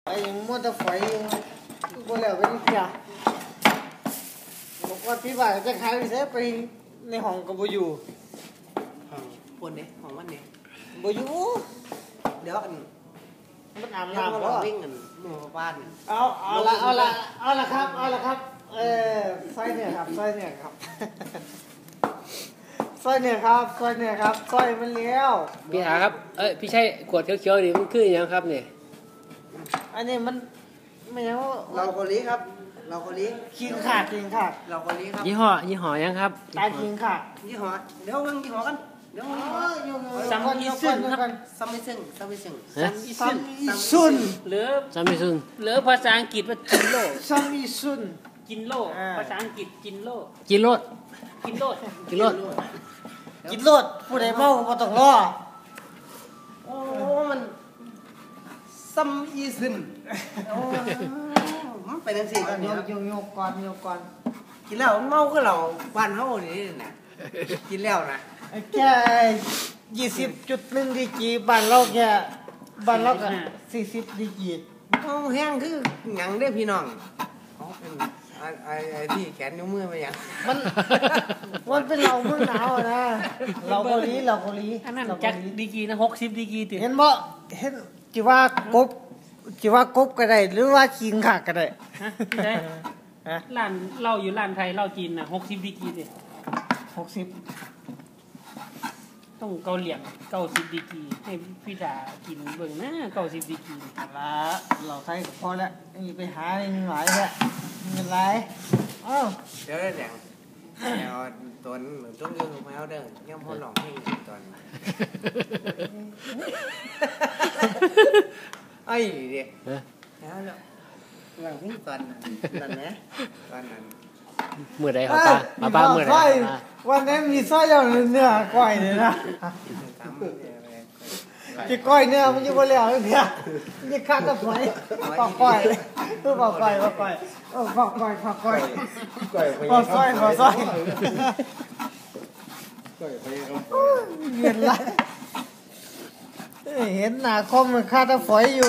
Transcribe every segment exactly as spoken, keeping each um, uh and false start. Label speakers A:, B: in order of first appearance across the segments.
A: ไอ้ยังมัวแต่ไฟอยู่ก็แล้วไปนี่จ้ะบอกว่าพี่บ่ายจะขายไปเสียไปในห้องก็บ่อยู่
B: ห้องปนเนี่ยห้องมันเนี่ย
A: บ่อยู่
B: เดี๋ยวอัน
A: มันอาบ
B: น้
A: ำก็
B: วิ่งกันหมู่บ้าน
A: เอาเอาละเอาละเอาละครับเอาละครับเออซอยเนี่ยครับซอยเนี่ยครับซอยเนี่ยครับซอยเนี่ยครับซอยมันเลี้ยว
C: พี่หาครับเอ้ยพี่ใช่ขวดเขียวๆนี่มันคืออย่างครับเนี่ย
A: อันนี้มันไม่ใช่ว่า
B: เราโคลีครับเราโคลี
A: คิงขาดคิงขาด
B: เราโคลีครับ
C: ยี่ห้อยี่ห้อยังครับ
A: ตายคิงขาด
B: ยี่ห้อเดี๋ยวเรื่องยี่ห้อกันเดี๋ยว
A: ซัมมิซุนครับ
B: ซัมมิซุนซัมมิซุน
A: ซัมมิซุน
C: หรือซัมมิซุนหรือภาษาอังกฤษว่าจินโล
A: ซัมมิซุน
C: กินโลภาษาอังกฤษกินโล
A: กินโล
C: กินโล
A: กินโลกินโลผู้ใดเมาก็ต้องรอ
B: โอ้มันซัมอีซึนมันไปทั้งสี่กัน
A: โยกโยกก่อนโยกก่อน
B: กินแล้วเมาก็เราบ้านเฮานี่นะกินแล้วนะ
A: แค่ยี่สิบจุดหนึ่งดีกีบ้านเราแค่บ้านเราก็สี่สิบดีกี
B: เอาแห้งคือหยังได้พี่น้องเขาเป็นไอ้ไอ้ที่แขนนิ้วมือมาอย่าง
A: มันมันเป็นเราเมืองหนาวนะเราเกาหลีเราเกาหลี
C: อันนั้นจักดีกีนะหกสิบดีกีติ
A: เห็นบ่เห็นจิว่ากบจิว่ากบก็ได้หรือว่าคิงขาก็ได้
C: ฮะฮะร้านเหล้าอยู่ร้านไทยเหล้าจีนน่ะหกสิบดีกีติ
A: หกสิบ
C: ต้องเกาเหลี่ยงเก้าสิบดีกีให้พี่ดากินเบิ่งนะเก้าสิบดีกี
A: ละเราไทยพอแล้วนี่ไปหาเงินหลายแล้วเงินหลายอ้าว
B: เดี๋ยวได้แหล่งเดี๋ยวตอนเหมือนต้องยืนลงมาเอาเด้อย่ำพ่อหลองให้ตอนไอ้เด็กแล้วแล้วหลังพี่ตอนนั้นตอนนี้ตอนนั้น
C: เมื่อใดเขาป้าป้าป้าเมื่อใด
A: วันนี้มีสร้อยอย่างเนื้อก้อยเลยนะจะก้อยเนื้อมันจะบ่แล้วเนี่ยมันจะขาดตะไคร้ปอกก้อยตัวปอกก้อยปอกก้อยเออปอกก้อยปอกก้อยปอกสร้อยปอกสร้อยเห็นไรเห็นหน้าคอมมันขาดตะไคร้อยู่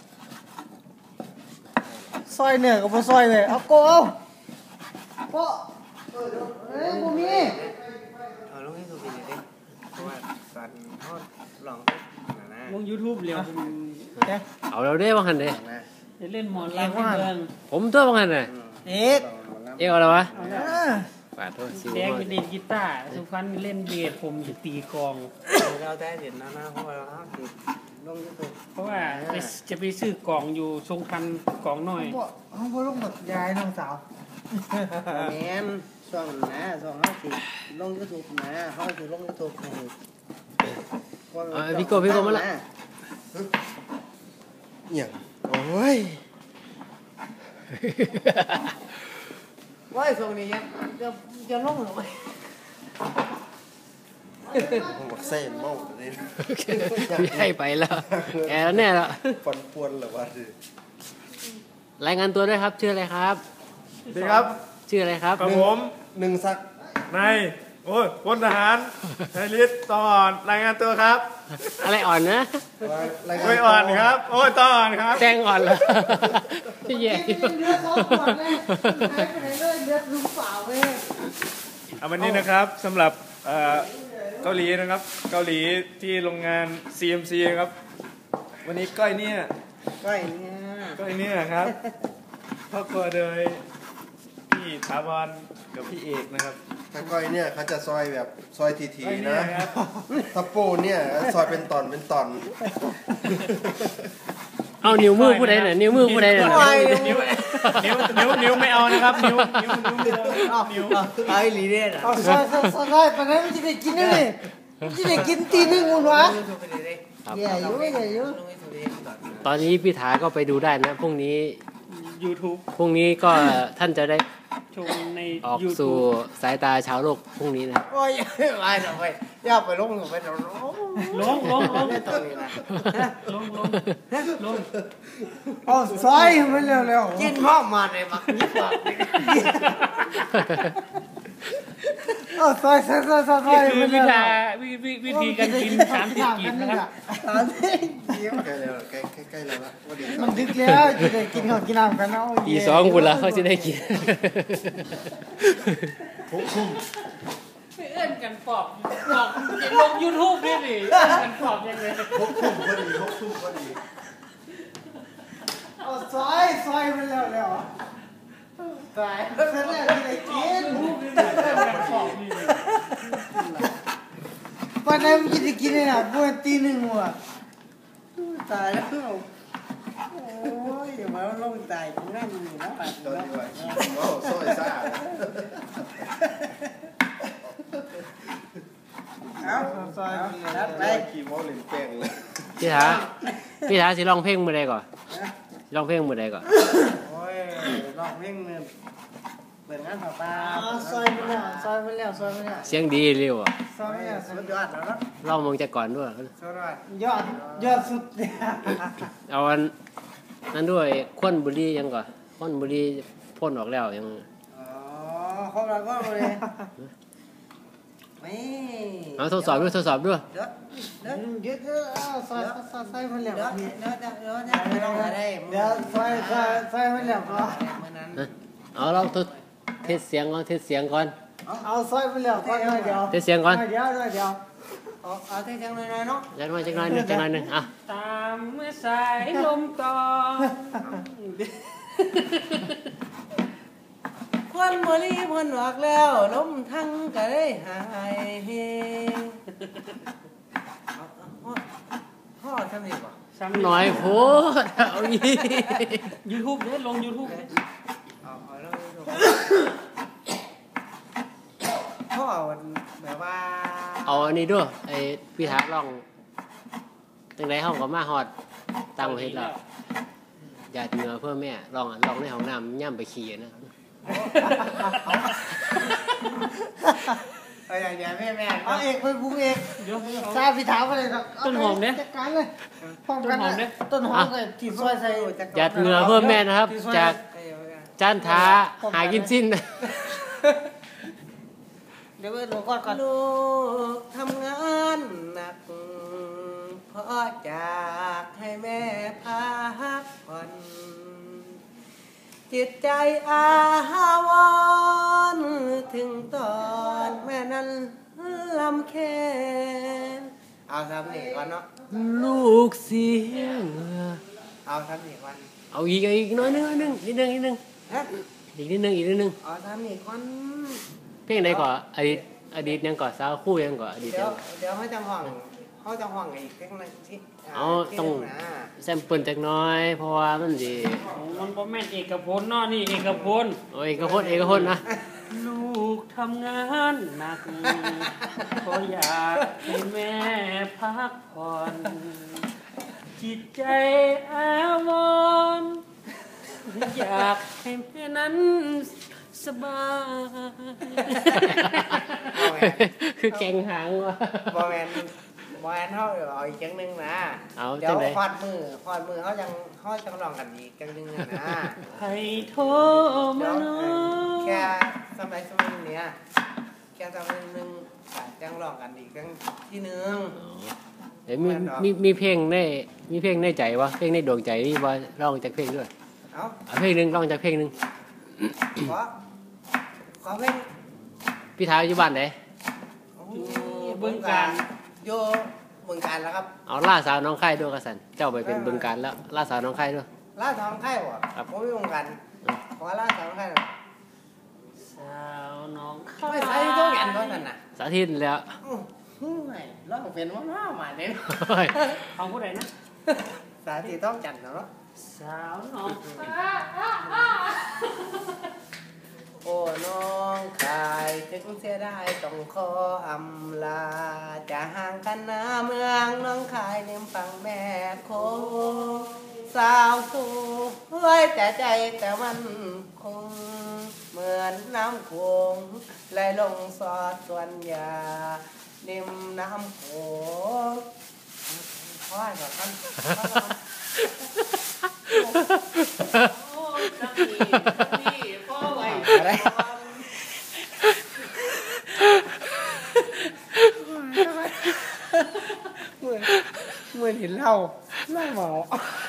A: ซอยเนื้อกับบ่ซอยเลยเอาโกเอาโกเออเอ้ยบ่มี
B: เอาลงให้ดูเป็นยังไงเพราะว่าตอนเขาหลอง
C: ลง YouTube เร็ว
A: เอา
C: เราได้บ้างหันเลยจะเล่นหมอนลำเมืองผมตัวบ้างหันเลย
A: เอ็ก
C: เอ็กอะไรวะฝาโทษแดงเล่นกีตาร์สุพรรณเล่นเบสผมจะตีกอง
B: เราได้เห็นนะนะเพราะว่าเราติดลง YouTube
C: เพราะว่าจะไปซื้อกองอยู่ทรงพันกองหน่อย
A: เขาพอลงแบบยายน้องสาว
B: แม่นช่วงนะช่วงเขาติดลง YouTube นะเขาติดลง YouTube
C: พี่โก้พี่โก้มาละ
B: อย่างโอ้ยว่าส่งนี้จะจะลงหรือไม่
D: ผมบอกเส้นเมาเลย
C: พี่ให้ไปแล้วแกแล้วแน่แล้ว
D: ฟันปวนหรือว่า
C: รายงานตัวด้วยครับชื่ออะไรครับ
D: ดีครับ
C: ชื่ออะไรครับ
D: ผมหนึ่งศักดิ์
E: นายโอ้ยพลทหารนายฤทธิ์ตอนรายงานตัวครับ
C: อะไรอ่อนนะ
E: ไม่อ่อนครับโอ้ยตอนครับ
C: แจ้งอ่อนเลยพี่แย่
A: เลือดซ้อมก่อนเลยหายไปไหนเลยเลือดลุ้มเปล่าเลย
E: เอาวันนี้นะครับสำหรับเกาหลีนะครับเกาหลีที่โรงงาน ซี เอ็ม ซี ครับวันนี้ก้อยเนี่ย
B: ก้อยเนี่ย
E: ก้อยเนี่ยครับครอบครัวโดยพี่ถาวรกับพี่เอกนะครับ
D: ถ้าก้อยเนี่ยเขาจะซอยแบบซอยทีๆนะถ้าโป้เนี่ยซอยเป็นตอนเป็นตอน
C: เอานิ้วมือผู้ใดหน่อยนิ้วมือผู้ใดหน่อย
E: นิ้วนิ้วนิ้วนิ้วไม่เอานะครับนิ้วนิ้วนิ้วนิ้ว
B: ไอ้ลีเดอร์
A: เอาซอยซอยซอยไปไหนมันจะได้กินนี่มันจะได้กินตีนึงอุ่นวะอย่าอยู่อย่าอยู่
C: ตอนนี้พี่ถาก็ไปดูได้นะพรุ่งนี้
E: YouTube
C: พรุ่งนี้ก็ท่านจะได้
E: ชมใน
C: ออกสู่สายตาชาวโลกพรุ่งนี้นะ
B: โอ้ยไม่หรอกไปย่าไปลงไปลง
C: ลงลงลง
B: ตรงนี้นะ
C: ลงลงลง
A: อ๋อซอยมันเร็ว
B: ๆกินพ่อมาเลยมักยิ่งกว่า
A: เอาซอยซอยซอยซอยซอย
C: นี่คือวิธีวิวิธีการกินสามสิบกีบนะครับ
A: สามสิบกีบ
D: ใกล้แล้วใกล้ใกล้แล้วละว่าดี
A: มันดึกแล้วจะได้กินข้าวกินน้ำกันเนาะ
F: ตีสองคุณละเขาจะได้กิน
D: หกทุ่ม
C: เอื้อนกันปอบปอบลงยูทูบด้วยดิเอื้อนกันปอบยังไง
D: หกทุ่มพอดีหกทุ่มพอดี
A: เอาซอยซอยมันแล้วแล้วตายเสร็จแล้วจะได้กิน
C: เอื้อนกันปอบนี่
A: วันนั้นมันจะกินเลยนะบวนตีหนึ่งว่ะตายแล้วโอ้ยอย่ามาลงตายกูนั่นนี่นะ
D: ตอนนี้ว่าว้าวซอยซ่า
A: เอาซอยนัดไป
D: ขี่มอลินแป้งเลย
F: พี่ถาพี่ถาสิร้องเพลงมือใดก่อนร้องเพลงมือใดก่อน
A: โอ้ยลองเพลงนึงเปิดงานต่อไปซอยไปแล้วซอยไปแล้วซอยไปแล้ว
F: เสียงดีเร็วอ่ะ
A: ซอยไปแล้วสุดยอดแล้วนะ
F: ร้องมองจากก่อนด้วย
A: สุดยอดยอดยอดสุดเนี่ย
F: เอาอันนั้นด้วยควนบุรียังก่อนควนบุรีพ่นออกแล้วยัง
A: อ๋อครบแล้วก็เลยไม่
F: เอาทดสอบด้วยทดสอบด้วย
A: เดี๋ยวเดี๋ยวเดี๋ยวเดี๋ยวซอยซอยซอยมันแล้วเดี๋ยวเดี๋ยวเดี๋ยวเดี๋ยวไม่ต้องหาได้เดี๋ยวซอยซอยซอยมันแล้วก็
F: เอาเราทดเทสเสียงก่อนเทสเสียงก่อน
A: เอาซอยมันแล้วก่อนเดี๋ยว
F: เทสเสียงก่อน
A: เดี๋ยวเดี๋ยวเดี๋ยวเอาเอาเทจังเลยเนาะ
F: จังหน่อยจังหน่อยหนึ่งจังหน่อยหนึ่งอ่ะ
C: ตามเมื่อสายลมตอน
B: ควันบ่รีเพิ่นออกแล้วลมทั้งก็ได้หายเฮพ่อทำนี่บ่
F: หน่อยโพดเอาอี
C: ยูทูบเนี่ยลงยูทูบ
B: เอาเอาแล้วพ่อแบบว่า
F: เอาอันนี้ด้วยไอ้พี่ถาร้องจังไรห้องก็มาฮอดตั้งเฮ็ดแล้วหยาดเหงื่อเพื่อแม่ลองลองในห้องน้ำย่ำไปขี่นะ
B: เอาอย่างเดียวแม่แม่
A: เอาเอกไปบุกเอก
C: เดี๋ยว
A: ซาพิถามอะไรครับจัดการเลยพร้อมกันเลยต้นหอมเลยที่ซอยใส่
F: หยาดเหงื่อเพื่อแม่นะครับ จากจานท้าหากินสิ้น
A: เดี๋ยวเราก่อนก่อน
B: ลูกทำงานหนักเพราะจากให้แม่พักผ่อนจิตใจอาวรณ์ถึงตอนแม่นั้นลำแค้นเอาทำนี่ก่อนเนาะ
F: ลูกเสียงเหงื่อ
B: เอาทำนี่ก่อน
F: เอาอีกอีกน้อยนึงนิดนึงนิดนึงนิดนึง
B: ฮะ
F: อีกนิดนึงอีกนิดนึง
B: เอาทำนี่ก่อน
F: เพลงใดก่อนอดีตอดีตยังก่อนสาวคู่ยังก่อนอดีต
B: เดี๋ย
F: ยั
B: ว
F: ง
B: เดี๋ยวเขาจะห่วงเขาจะห่วงอีกเพลงนึงที่
F: เอาต้อง
B: นะ
F: แซมเปิลจักหน้อย เพราะว่ามันดี
C: มันบ่แม่นเอกพลเนาะนี่เอกพล
F: โอ้ยเอกพจน์เอกพจน์นะ
C: ลูกทำงานหนักเพราะอยากให้แม่พักผ่อนจิตใจอาวรณ์อยากให้แม่นั้นสบาย
F: คือแกงหางวะ
B: บอแมนบอแมนเขาเอาอีกจังหนึงนะ
F: เอา
B: เดี๋ย
F: จั
B: ว
F: งได
B: คอดมือคอดมือเขาจังเขาจังลองกันอีกจังหนึงอะนะ
C: ให้โทร
B: เดี๋
C: มา
B: ยว
C: เนาะ
B: แค่สมัยสมัยเนี้ยแค่สมัยหนึงก็จังลองกันอีกจังที่หนึง
F: เดี๋ยวมีมีมีเพลงในมีเพลงในใจวะเพลงในดวงใจนี่ว่าร้องจากเพลงด้วย
B: เอา
F: เอาเพลงหนึ่งร้องจากเพลงหนึ่ง
B: ขอขอเพลง
F: พี่ท้าอยู่บ้านไหน
C: เบิ่งการ
B: โยเบิ่งการแล้วครับ
F: เอาล่าสาวน้องไข่ด้วยกระสันเจ้าไปเป็นบึงการแล้วล่าสาวน้องไข่ด้วย
B: ล่าทองไข่บ่
F: ครับ
B: ผมไม่เบิ่งกันขอล่าทองไข่หน่อย
C: สาวน้องข้า
B: ไม่ใส่ตัวกันเท่านั้นน่ะ
F: สาธิตแล้ว
B: อื้อหือไม่ร้องเป็นว่ามามาเนี่ย
F: โอ้ย
C: ของผู้ใดนะ
B: สาธิตต้องจันทร์เนาะ
C: สาวน้อง
B: โอ้น้องชายถึงเสียได้ต้องขออำลาจะห่างกันนาเมืองน้องคายเนมฟังแม่โคงสาวสูเฮ้ยแต่ใจแต่มันคงเหมือนน้ำโขงไหลลงสอดส่วนยานิ่มน้ำโขงพ่อแบบนั้น
C: โอ้ยจังนี่นี่พ่อไว้
B: อะไร
A: เมา